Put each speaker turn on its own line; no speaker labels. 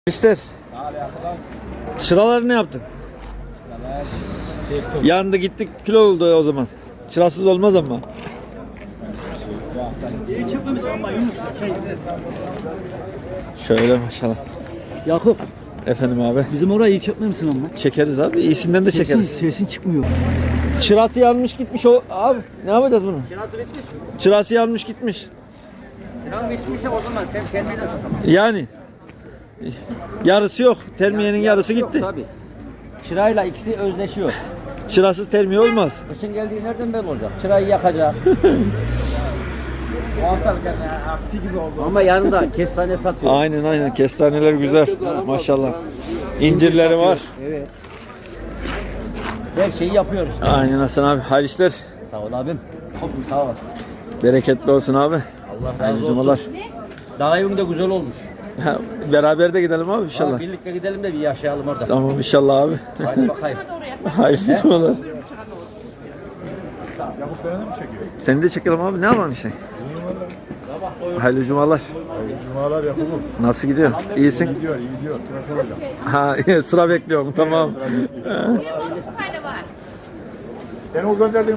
İster. Çıraları ne yaptın? Yandı gittik kilo oldu o zaman. Çırasız olmaz ama. Şöyle maşallah.
Yakup,
Efendim abi.
bizim orayı iyi çekmemişsin ama.
Çekeriz abi. İyisinden de çekeriz.
Sesin çıkmıyor.
Çırası yanmış gitmiş o abi. Ne yapacağız bunu?
Çırası bitmiş mi?
Çırası yanmış gitmiş.
Çırası bitmişse o zaman sen termiye de satamazsın.
Yani yarısı yok. Termiyenin yarısı gitti.
Tabii. Çırayla ikisi özleşiyor.
Çırasız termiye olmaz.
Kışın geldiği nereden belli olacak? Çırayı yakacak.
Aksi gibi oldu.
Ama yanında kestane satıyor.
Aynen. Kestaneler güzel. Maşallah. İncirleri var.
Evet. Her şeyi yapıyoruz.
Aynen Hasan abi. Hayırlı işler.
Sağ ol abim. Sağ ol.
Bereketli olsun abi.
Allah razı
Hayırlı
olsun.
cumalar.
Dağ evin de güzel olmuş.
Ha, beraber de gidelim abi inşallah.
Birlikte gidelim de bir yaşayalım orada.
Tamam inşallah abi.
Hadi bakayım.
Hayırlı cumalar. Seni de çekelim abi. Ne yapalım işte? Hayırlı cumalar.
Cumalar yapalım.
Nasıl gidiyor? İyisin?
İyi gidiyor. Tıraş olacağım.
Ha sıra bekliyorum. Tamam.
Seni o gönderdiğim